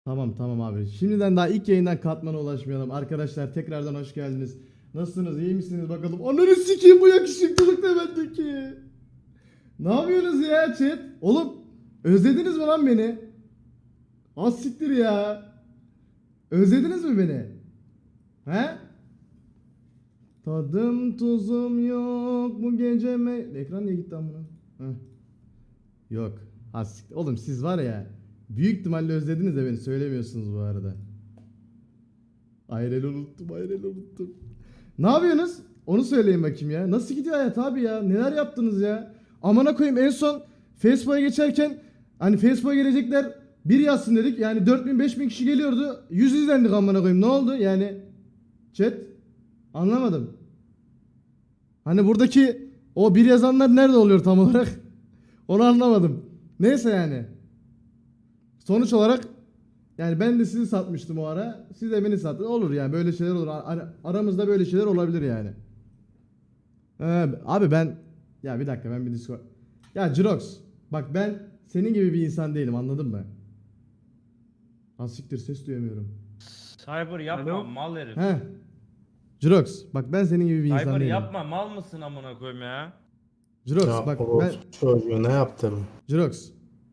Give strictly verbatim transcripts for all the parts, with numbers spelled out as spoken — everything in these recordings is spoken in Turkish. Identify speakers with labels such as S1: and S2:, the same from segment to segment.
S1: Tamam tamam abi. Şimdiden daha ilk yayından katmana ulaşmayalım. Arkadaşlar tekrardan hoş geldiniz. Nasılsınız? İyi misiniz bakalım? Ananı sikeyim bu yakışıklılık da bendeki. Ne yapıyorsunuz ya chat? Oğlum özlediniz mi lan beni? Az siktir ya. Özlediniz mi beni? He? Tadım tuzum yok bu gece me... Ekran niye gitti lan buna? Heh. Yok. Az siktir. Oğlum siz var ya. Büyük ihtimalle özlediniz de beni söylemiyorsunuz bu arada. Ayrel unuttum, ayrel unuttum. Ne yapıyorsunuz? Onu söyleyin bakayım ya. Nasıl gidiyor hayat abi ya? Neler yaptınız ya? Amına koyayım en son Facebook'a geçerken hani Facebook'a gelecekler bir yazsın dedik. Yani dört bin beş bin kişi geliyordu. yüz izlendik amına koyayım. Ne oldu? Yani chat anlamadım. Hani buradaki o bir yazanlar nerede oluyor tam olarak? Onu anlamadım. Neyse yani. Sonuç olarak yani ben de sizi satmıştım o ara. Siz de beni sattınız. Olur yani böyle şeyler olur. Ar- aramızda böyle şeyler olabilir yani. Ee, abi ben ya bir dakika ben bir Discord. Ya Jirox bak ben senin gibi bir insan değilim anladın mı? Asiktir ses duyamıyorum.
S2: Cyber yapma
S3: Alo?
S2: mal herif.
S1: He. Jirox bak ben senin gibi bir insan
S2: Cyber
S1: değilim.
S2: yapma mal mısın amına koyayım ya?
S1: Jirox
S4: Ya
S1: bak
S4: o
S1: ben
S4: çocuğu ne yaptım?
S1: Jirox.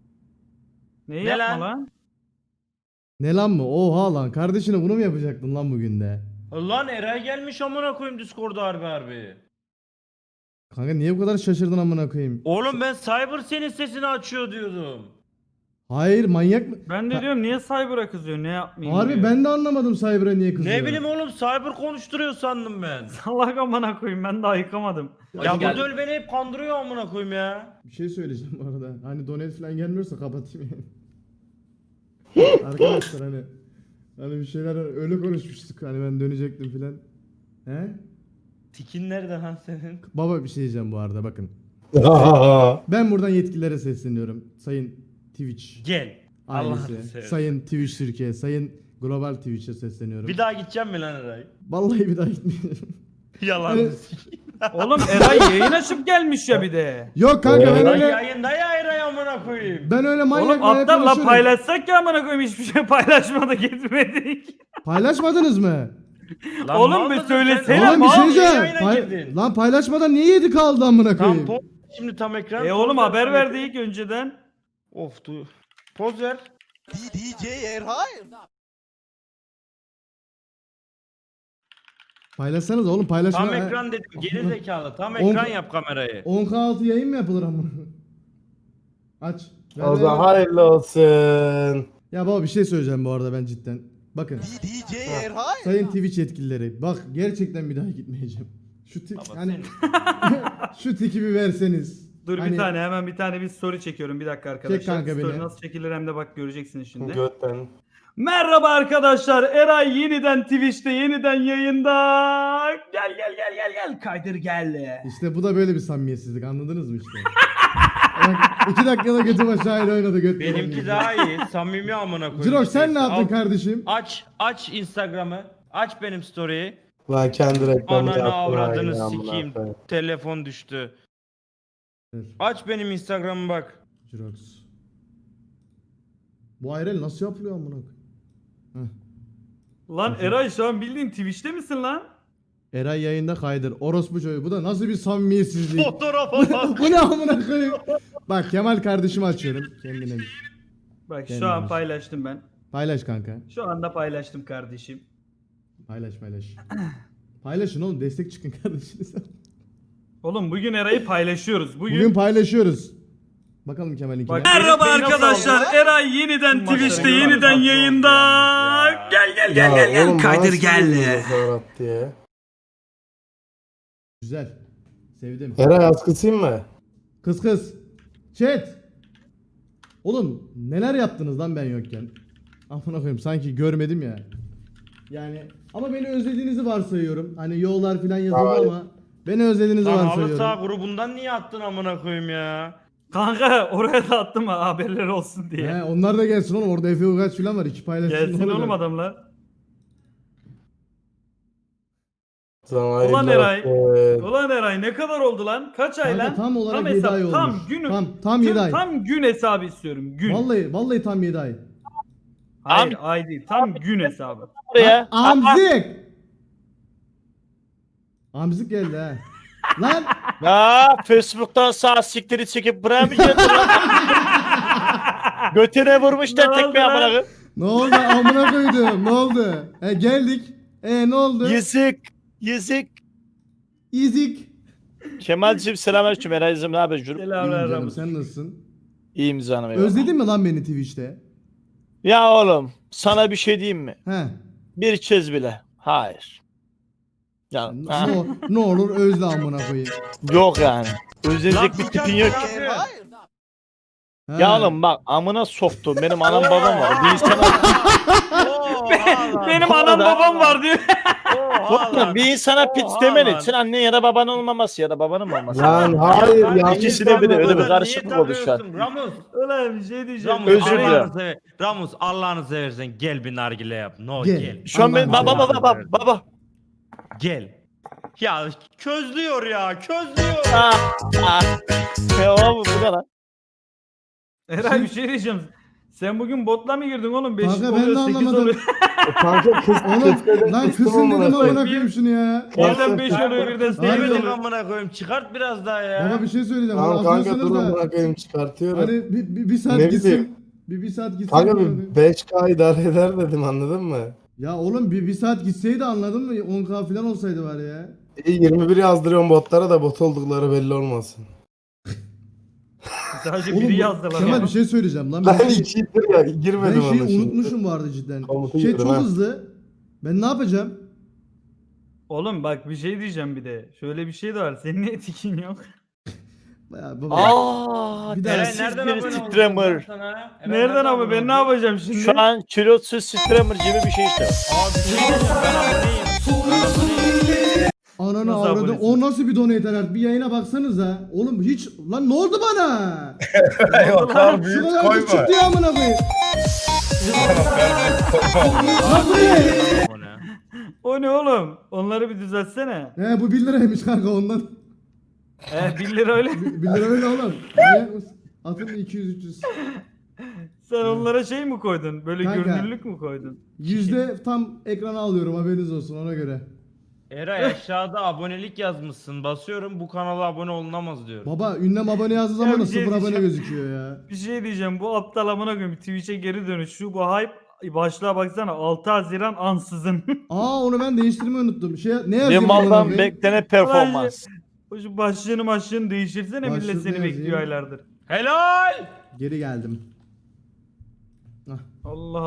S3: Neyi
S2: Ne
S3: yapma
S2: lan?
S3: lan?
S1: Ne lan mı? Oha lan kardeşine bunu mu yapacaktın lan bugün de?
S2: Lan Eray gelmiş amına koyayım Discord'a harbi harbi.
S1: Kanka niye bu kadar şaşırdın amına koyayım?
S2: Oğlum ben Cyber senin sesini açıyor diyordum.
S1: Hayır manyak mı?
S3: Ben de
S1: Ha-
S3: diyorum niye Cyber'a kızıyor ne yapmayayım
S1: Harbi
S3: diyor.
S1: ben de anlamadım Cyber'a niye kızıyor.
S2: Ne bileyim oğlum Cyber konuşturuyor sandım ben.
S3: Salak amına koyayım ben daha yıkamadım.
S2: Ya bu döl beni hep kandırıyor amına koyayım ya.
S1: Bir şey söyleyeceğim bu arada. Hani donate falan gelmiyorsa kapatayım yani. Arkadaşlar hani hani bir şeyler öyle konuşmuştuk. Hani ben dönecektim filan. He?
S2: Tikin nerede lan senin?
S1: Baba bir şey diyeceğim bu arada bakın. Ben buradan yetkililere sesleniyorum. Sayın Twitch
S2: Gel. Allah'ını
S1: ailesi,
S2: seversen.
S1: sayın Twitch Türkiye, sayın Global Twitch'e sesleniyorum.
S2: Bir daha gideceğim mi lan Eray?
S1: Vallahi bir daha gitmeyeceğim.
S2: Yalan.
S1: Hani-
S3: Oğlum Eray yayın açıp gelmiş ya bir de.
S1: Yok kanka ben
S2: Eray
S1: öyle
S2: yayında ya Eray amına koyayım.
S1: ben öyle manyak
S3: Oğlum
S1: manyak
S3: aptal la
S1: konuşuyorum.
S3: paylaşsak ya amına koyayım hiçbir şey paylaşmadık etmedik.
S1: Paylaşmadınız mı?
S2: Lan
S3: Oğlum
S2: mal
S3: bir
S2: mısın
S3: söylesene
S2: sen?
S3: Selam
S1: Oğlum bir
S3: abi,
S1: şey
S2: Niye
S1: diyeceğim.
S2: yayına
S1: Pay-
S2: girdin?
S1: Lan paylaşmadan niye yedi kaldı amına
S2: Tam
S1: koyayım?
S2: poz şimdi tam ekran.
S3: E oğlum
S2: poz ver,
S3: haber
S2: tam
S3: verdik önceden.
S2: Of du. Poz ver.
S5: D J Erhay.
S1: Paylaşsanız oğlum paylaşma.
S2: Tam ekran dedim geri zekalı. Tam
S1: On-
S2: ekran yap kamerayı.
S1: on K altı yayın mı yapılır amına? Aç. Ver,
S4: O
S1: ver,
S4: zaman
S1: ver.
S4: hayırlı olsun.
S1: Ya baba bir şey söyleyeceğim bu arada ben cidden. Bakın
S5: D J Erhay.
S1: sayın Twitch yetkilileri bak gerçekten bir daha gitmeyeceğim. Şu tip
S2: Baba
S1: hani
S2: sen-
S1: şu tiki bir verseniz.
S3: Dur
S1: Hani-
S3: bir tane hemen bir tane bir story çekiyorum bir dakika arkadaşlar.
S1: kanka
S3: Story
S1: beni.
S3: nasıl çekilir hem de bak göreceksiniz şimdi.
S4: Götten.
S3: Merhaba arkadaşlar. Eray yeniden Twitch'te yeniden yayında. Gel gel gel gel gel. Kaydır gel.
S1: İşte bu da böyle bir samimiyetsizlik anladınız mı işte? Bak, iki dakikada götüm aşağıyla oynadı göt.
S2: Benimki daha iyi. Samimi amına koyayım.
S1: Cirox sen ne yaptın
S2: Al,
S1: kardeşim?
S2: Aç aç Instagram'ı. Aç benim story'yi.
S4: Lan kendi reklamını
S2: Ananı
S4: yaptın.
S2: avradını
S4: ha, amına
S2: sikeyim.
S4: koyayım.
S2: Telefon düştü.
S1: Dur,
S2: Aç benim Instagram'ı bak.
S1: Cirox. Bu ayrel nasıl yapılıyor amına koyayım? Heh.
S3: Lan Eray şu an bildiğin Twitch'te misin lan?
S1: Eray yayında kaydır. Orospu çocuğu. Bu da nasıl bir samimiyetsizlik?
S2: Fotoğrafa bak.
S1: Bu ne amına koyayım? Bak Kemal kardeşimi açıyorum. Kendine.
S3: Bak
S1: Kendine
S3: şu an
S1: bak.
S3: paylaştım ben.
S1: Paylaş kanka.
S3: Şu anda paylaştım kardeşim.
S1: Paylaş paylaş. Paylaşın oğlum destek çıkın kardeşinize.
S3: Oğlum bugün Eray'ı paylaşıyoruz. Bugün,
S1: Bugün paylaşıyoruz. Bakalım Kemal'inkine.
S3: Bak, merhaba
S2: Beni nasıl
S3: arkadaşlar.
S2: aldı?
S3: Eray yeniden
S2: Maçları
S3: Twitch'te
S2: görüyoruz,
S3: yeniden
S2: nasıl
S3: yayında.
S2: oldu ya?
S3: Gel gel
S4: Ya
S3: gel gel gel.
S4: oğlum,
S3: Kaydır
S4: nasıl
S3: gel.
S4: biliyorsun Serhat diye.
S1: Güzel. Sevdim.
S4: Eray askısıyım mı?
S1: Kız kız. Chat. Oğlum neler yaptınız lan ben yokken? Amına koyayım sanki görmedim ya. Yani ama beni özlediğinizi varsayıyorum. Hani yollar falan yazıldı
S4: Hayır.
S1: ama beni özlediğinizi
S2: Lan halı
S1: varsayıyorum.
S2: saha grubundan niye attın amına koyayım ya?
S3: Kanka oraya da attım ha haberleri olsun diye.
S1: He, onlar da gelsin oğlum orada Efe Ugaç falan var iki paylaşsın.
S3: Gelsin
S1: ne
S3: oğlum
S1: olacak?
S3: adamlar.
S4: Sana hayırlı
S3: Ulan Eray.
S4: olsun.
S3: Ulan Eray ne kadar oldu lan? Kaç ay
S1: Kanka
S3: lan?
S1: tam olarak yedi
S3: hesap,
S1: ay olmuş.
S3: Tam günü.
S1: Tam tam yedi ay.
S3: Tam gün hesabı istiyorum. Gün.
S1: Vallahi vallahi tam yedi ay.
S3: Hayır ay değil. Tam gün hesabı.
S6: Buraya.
S1: Amzik. Amzik geldi ha. Lan
S6: Ya Facebook'tan sağ siktiri çekip buraya mı geldin lan? Götüne vurmuşlar
S3: Ne
S6: tekme
S3: oldu lan?
S6: amına koyayım.
S1: ne oldu amına koydum ne oldu? E geldik. E ne oldu?
S6: Yazık. Yazık.
S1: İzik.
S6: Kemal'cim selamünaleyküm. Eray'cim ne haber? Cürüm?
S1: İyiyim
S3: Selamlar
S1: canım
S3: Ramus.
S1: sen nasılsın?
S6: İyiyim canım. eyvallah.
S1: Özledin mi lan beni Twitch'te?
S6: Ya oğlum sana bir şey diyeyim mi?
S1: He.
S6: Bir kez bile. Hayır. Ya
S1: Ne,
S6: ha,
S1: ne, ne olur özle amına koyayım.
S6: yok yani. Özlenecek bir
S2: Lan
S6: tipin yok.
S2: Furkan,
S5: Erhay.
S1: He.
S6: Ya oğlum bak amına soktum. Benim anam babam var. Bir insana,
S2: Oha lan.
S3: Benim
S6: Bu
S3: anam
S6: arada-
S3: babam var diyor.
S2: Oha lan.
S6: bir insana pit
S2: Oha
S6: demen
S2: lan.
S6: için annen ya da babanın olmaması ya da babanın olması.
S4: Lan hayır ya.
S6: İkisine bir de öyle bir karışıklık oldu şu an.
S2: Ramus.
S3: Ulan bir şey diyeceğim.
S2: Ramus
S6: Özür dilerim.
S2: Allah'ını sever. Ramus Allah'ını seversen gel bir nargile yap. No
S1: Gel.
S2: gel.
S6: Şu an benim
S1: Allah'ım
S6: baba baba
S2: seversen.
S6: baba baba.
S2: Gel. Ya közlüyor ya közlüyor.
S6: Ah, ah. Ya oğlum bu ne lan?
S3: Eray bir şey diyeceğim. Sen bugün botla mı girdin oğlum? beş
S1: Kanka ben
S3: oluyor,
S1: de
S3: sekiz
S1: anlamadım.
S3: oluyor.
S4: Kanka kız
S1: Oğlum
S4: kız
S1: lan kızın dedim amına koyayım şunu ya.
S3: Birden beş oluyor birden sekiz
S1: Aynen.
S2: Demedim
S3: oluyor.
S2: amına koyayım çıkart biraz daha ya.
S1: Baba bir şey söyleyeceğim.
S4: Tamam
S1: Bana
S4: kanka
S1: atıyorsunuz
S4: durun
S1: da.
S4: bırakayım çıkartıyorum.
S1: Hani bir, bir, bir saat
S4: Ne
S1: gitsin.
S4: bileyim.
S1: Bir, bir saat gitsin.
S4: Kanka
S1: amına
S4: bir
S1: koyayım.
S4: beş K idare eder dedim anladın mı?
S1: Ya oğlum bir, bir saat gitseydi anladın mı? on K falan olsaydı var ya.
S4: E, yirmi bir yazdırıyorum botlara da bot oldukları belli olmasın.
S3: Sadece
S1: Oğlum
S3: biri
S1: bu-
S3: yazdılar.
S1: Kemal
S3: ya.
S1: bir şey söyleyeceğim lan.
S4: Ben
S1: Ben,
S4: ikidir ya
S1: ben
S4: girmedim
S1: şeyi
S4: ona şimdi.
S1: unutmuşum bu arada cidden.
S4: Komutu
S1: Şey
S4: girdim
S1: çok
S4: ha.
S1: hızlı. Ben ne yapacağım?
S3: Oğlum bak bir şey diyeceğim bir de. Şöyle bir şey de var. Senin niye tikin yok?
S1: Ya baba.
S6: Aa,
S1: Bir daha-
S2: Eren
S6: siz
S2: nereden
S6: bir
S2: abone oldun
S6: streamer.
S2: sana? Eren
S3: Nereden abi
S2: abone
S3: ben ne
S2: oldun?
S3: yapacağım şimdi?
S6: Şu an kilosuz streamer gibi bir şey işte.
S2: Abi bir şey diyeceğim, ben aboneyim. Ben aboneyim.
S1: Ananı
S3: Nasıl
S1: avradı.
S3: abonesin?
S1: O nasıl bir donate alert? Bir yayına baksanıza. Oğlum hiç lan ne oldu bana?
S7: Yok abi
S1: Şu
S7: büyük
S1: kadar
S7: koyma.
S1: küçük diye amına koyayım. Lan bu ne?
S2: Abone.
S3: O ne oğlum? Onları bir düzeltsene.
S1: He bu bir liraymış kanka ondan.
S3: He bir lira öyle.
S1: bir lira öyle oğlum. Manyak mısın? Atın iki yüz üç yüz.
S3: Sen onlara şey mi koydun? Böyle
S1: Kanka.
S3: görünürlük mü koydun?
S1: Yüzde tam ekrana alıyorum haberiniz olsun ona göre.
S2: Eray aşağıda abonelik yazmışsın. Basıyorum bu kanala abone olunamaz diyor.
S1: Baba ünlem abone yazdığı
S3: Ya
S1: zaman
S3: bir
S1: da
S3: şey
S1: sıfır abone
S3: diyeceğim.
S1: gözüküyor ya.
S3: Bir şey diyeceğim. Bu aptal amına koyayım Twitch'e geri dönüş. Şu bu hype başlığa baksana. altı Haziran ansızın.
S1: Aa onu ben değiştirmeyi unuttum. Şey ne
S6: Bir
S1: yazayım?
S6: maldan
S1: amına koyayım?
S6: beklenen performans.
S3: Şu başlığını başlığını değiştirsene millet
S1: Başlığını
S3: seni
S1: yazayım.
S3: bekliyor aylardır.
S2: Helal.
S1: Geri geldim.
S3: Allah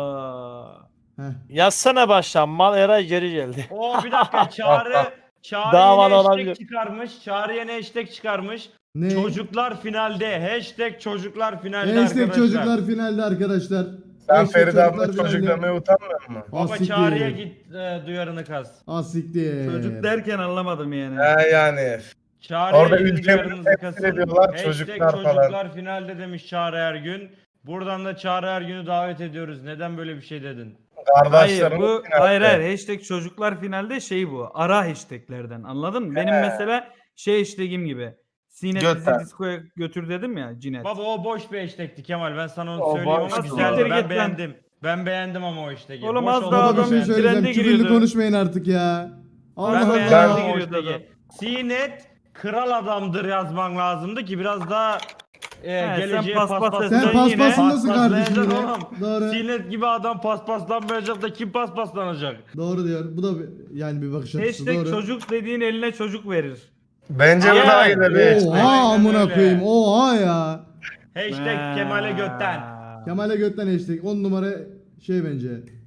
S3: Allah.
S1: Heh.
S6: Yazsana baştan mal Eray geri geldi.
S2: Oo bir dakika Çağrı Çağrı
S6: Davalı
S2: yine hashtag
S6: olabilir.
S2: çıkarmış. Çağrı yine hashtag çıkarmış.
S1: Ne?
S2: Çocuklar finalde. Hashtag çocuklar finalde
S1: Hashtag
S2: arkadaşlar.
S1: çocuklar finalde arkadaşlar.
S7: Sen
S1: Hashtag
S7: Feride abla
S1: çocuklar
S7: çocuk
S1: finalde.
S7: demeye utanmıyor musun?
S1: Ah,
S2: Baba
S1: siktir.
S2: Çağrı'ya git e, duyarını kas.
S1: Ah siktir.
S3: Çocuk derken anlamadım yani.
S7: He yani.
S2: Çağrı'ya
S7: Orada
S2: gidin
S7: ülkemizi
S2: duyarınızı
S7: temsil
S2: kasın.
S7: ediyorlar,
S2: Hashtag
S7: çocuklar falan.
S2: çocuklar finalde demiş Çağrı Ergün. Buradan da Çağrı Ergün'ü davet ediyoruz. Neden böyle bir şey dedin?
S3: Hayır
S7: Kardeşlerim.
S3: bu hayır hayır hashtag çocuklar finalde şey bu. Ara hashtaglerden anladın mı? Benim
S7: He.
S3: mesela şey hashtagim gibi. Sinet
S7: Götter.
S3: bizi diskoya götür dedim ya Cinet.
S2: Baba o boş bir hashtag'ti Kemal. Ben sana onu
S7: O
S2: söyleyeyim
S7: boş
S2: ama
S7: bir
S2: güzeldi.
S3: hashtag.
S2: Ben
S3: Git lan.
S2: beğendim. Ben beğendim ama o hashtag'i.
S3: Oğlum
S2: Boş
S3: az
S2: oldu
S3: daha
S2: ama
S1: Baba bir
S3: adam
S1: şey
S2: beğendim.
S1: söyleyeceğim.
S3: trende
S1: Küfürlü
S3: giriyordu.
S1: konuşmayın artık ya. Allah
S2: Ben
S3: Allah.
S2: beğendim
S7: Ben-
S2: ama o
S3: giriyordu
S2: hashtag'i.
S3: adam.
S2: Sinet kral adamdır yazman lazımdı ki biraz daha e,
S3: He,
S2: geleceğe
S3: sen paspas
S2: paspas.
S1: Sen
S3: Sen
S1: paspasındasın
S2: yine-
S1: kardeşim yine.
S2: Paspaslayacaksın oğlum.
S1: Doğru.
S2: Sinet gibi adam paspaslanmayacak da kim paspaslanacak?
S1: Doğru diyor. Bu da bir- yani bir bakış açısı.
S3: Hashtag
S1: Doğru.
S3: çocuk dediğin eline çocuk verir.
S7: Bence bu
S2: Ya.
S7: daha iyi de bir.
S1: Oha
S2: Aynen
S1: amına
S2: öyle.
S1: koyayım. Oha ya.
S2: Hashtag Kemal'e götten.
S1: Kemal'e götten hashtag. on numara şey bence.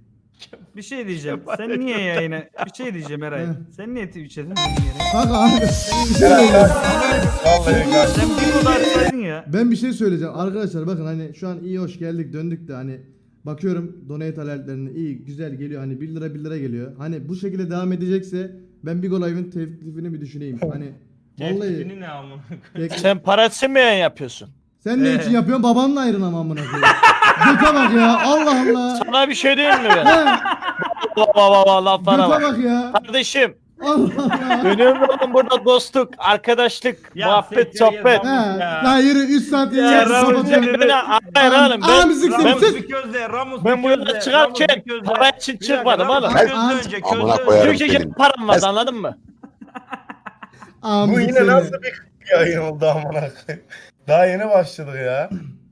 S3: Bir şey diyeceğim. Sen niye yayına? Bir şey diyeceğim Eray.
S1: Heh.
S3: Sen niye Twitch'e döndün yere?
S1: Kanka abi. Bir şey söyleyeceğim.
S7: Vallahi kardeşim.
S3: Sen bir oda açsaydın ya.
S1: Ben bir şey söyleyeceğim. Arkadaşlar bakın hani şu an iyi hoş geldik döndük de hani bakıyorum donate alertlerine iyi güzel geliyor hani bir lira bir lira geliyor. Hani bu şekilde devam edecekse ben Big Live'ın teklifini bir düşüneyim. Hani vallahi
S2: Teklifini ne amına koyayım?
S1: tek-
S6: Sen para için mi yayın yapıyorsun?
S1: sen ne
S3: Ee.
S1: için yapıyorsun? Babanla ayrın ama amına koyayım. Göte bak ya. Allah Allah.
S6: Sana bir şey diyeyim mi ben?
S1: He,
S6: Baba baba laflara
S1: Göte
S6: bak.
S1: bak ya.
S6: Kardeşim
S1: Allah Allah.
S6: önemli olan burada dostluk, arkadaşlık,
S2: Ya
S6: muhabbet,
S2: sekreter
S6: sohbet.
S2: yazan-
S1: He.
S2: Ya.
S1: Lan yürü üç saat
S3: Ya
S1: yayın
S3: Rabbim
S1: kapatacağım.
S3: seni-
S6: Beni Hayır oğlum
S1: Aa
S6: ben,
S1: müzik
S6: ben,
S1: seni
S2: Ramus
S1: sus.
S2: bir közde, Ramus
S6: ben
S2: bir
S6: bu
S2: közde,
S6: yola
S2: Ramus
S6: çıkarken
S2: bir közde.
S6: para için
S2: Bir dakika,
S6: çıkmadım
S2: Ramus
S6: oğlum.
S2: bir közde
S1: Aa,
S2: önce,
S8: amına
S2: közde
S8: koyarım
S2: önce.
S6: Türkçe
S8: senin.
S6: param vardı anladın mı?
S1: Aa
S7: Bu
S1: müzik
S7: yine
S1: seni.
S7: nasıl bir yayın oldu amına koyayım. Daha yeni başladık ya.